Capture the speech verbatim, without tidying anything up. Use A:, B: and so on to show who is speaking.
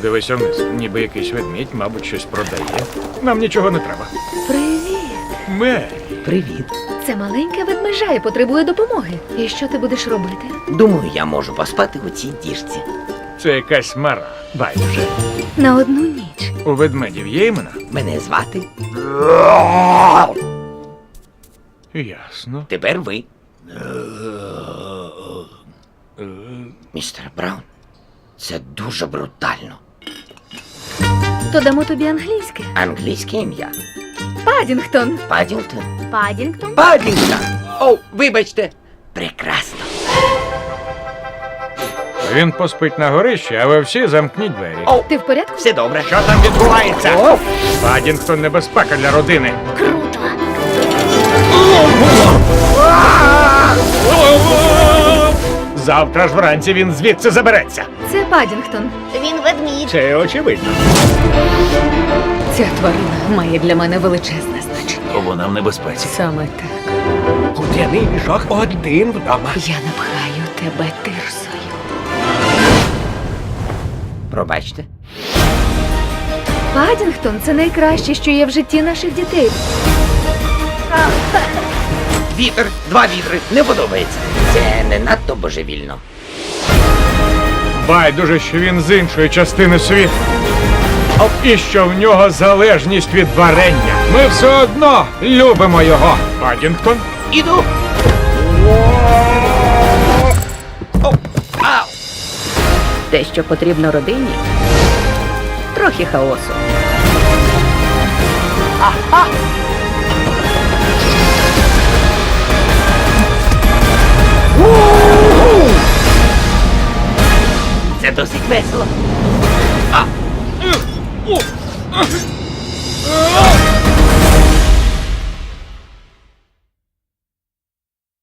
A: Подивися вниз. Ніби якийсь ведмідь, мабуть, щось продає. Нам нічого не треба.
B: Привіт.
A: Мері.
C: Привіт.
B: Це маленька ведмежа і потребує допомоги. І що ти будеш робити?
C: Думаю, я можу поспати у цій діжці.
A: Це якась мара. Байдуже.
B: На одну ніч.
A: У ведмедів є імена?
C: Мене звати.
A: Ясно.
C: Тепер ви. Містер Браун, це дуже брутально.
B: То дамо тобі англійське.
C: Англійське ім'я.
B: Падінгтон.
C: Падінгтон.
B: Падінгтон?
C: Падінгтон! О, вибачте. Прекрасно.
A: Він поспить на горищі, а ви всі замкніть двері.
C: О,
B: Ти в порядку?
C: все добре.
A: Що там відбувається?
C: О,
A: Падінгтон — небезпека для родини.
B: Круто.
A: Завтра ж вранці він звідси забереться.
B: Це Падінгтон.
D: Він ведмідь.
A: Це очевидно.
B: Ця тварина має для мене величезне значення.
E: Вона в небезпеці.
B: Саме так.
E: Кудряний мішок один вдома.
B: Я напхаю тебе тирсою.
C: пробачте.
B: Падінгтон – це найкраще, що є в житті наших дітей.
C: Вітер, два вітри, не подобається. Це не надто божевільно.
A: Байдуже, що він з іншої частини світу. І що в нього залежність від варення. Ми все одно любимо його. Падінгтон?
C: Іду. О, ау.
F: Те, що потрібно родині, трохи хаосу.
C: Це досить весело. А.